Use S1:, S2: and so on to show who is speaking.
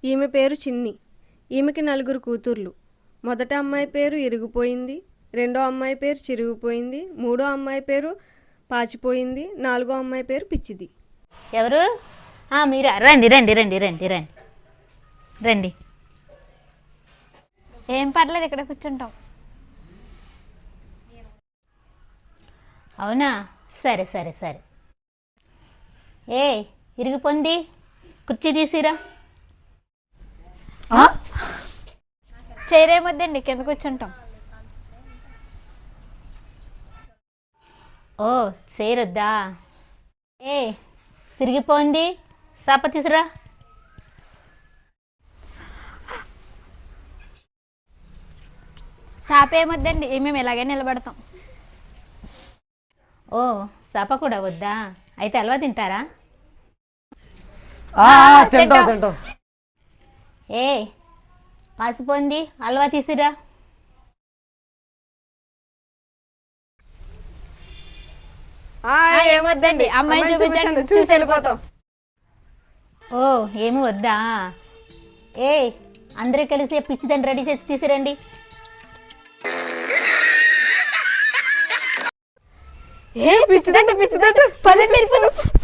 S1: ఈమె పేరు చిన్ని. ఈమెకి 4 కూతుర్లు. మొదట అమ్మాయి పేరు ఇరిగిపోయింది, రెండో అమ్మాయి పేరు చిరిగిపోయింది, మూడో అమ్మాయి పేరు పాచిపోయింది, నాలుగో అమ్మాయి పేరు పిచ్చిది.
S2: ఎవరు? మీరా? రండి రండి రండి రండి రండి రండి.
S3: ఏం పర్లేదు, ఇక్కడ కూర్చుంటాం.
S2: అవునా, సరే సరే సరే. ఇరిగిపోయింది, కుర్చీ తీసిరా.
S3: చేరేమొద్దండి, కింద కూర్చుంటాం.
S2: ఓ చేయరొద్దా? సిరిగిపోయింది, సాప తీసిరా.
S3: సాపేమొద్దండి, మేము ఇలాగే నిలబడతాం.
S2: ఓ సాప కూడా వద్దా? అయితే హల్వా తింటారా?
S4: తింటాం.
S2: పాసిపోయింది, హల్వా తీసిరా.
S3: ఏమొద్దండి, అమ్మాయిని చూపించండి, చూసి వెళ్ళిపోతాం.
S2: ఓ ఏమి వద్దా? అందరూ కలిసి పిచ్చిదని రెడీ చేసి తీసిరండి.
S3: పిచ్చిదంట పదండి.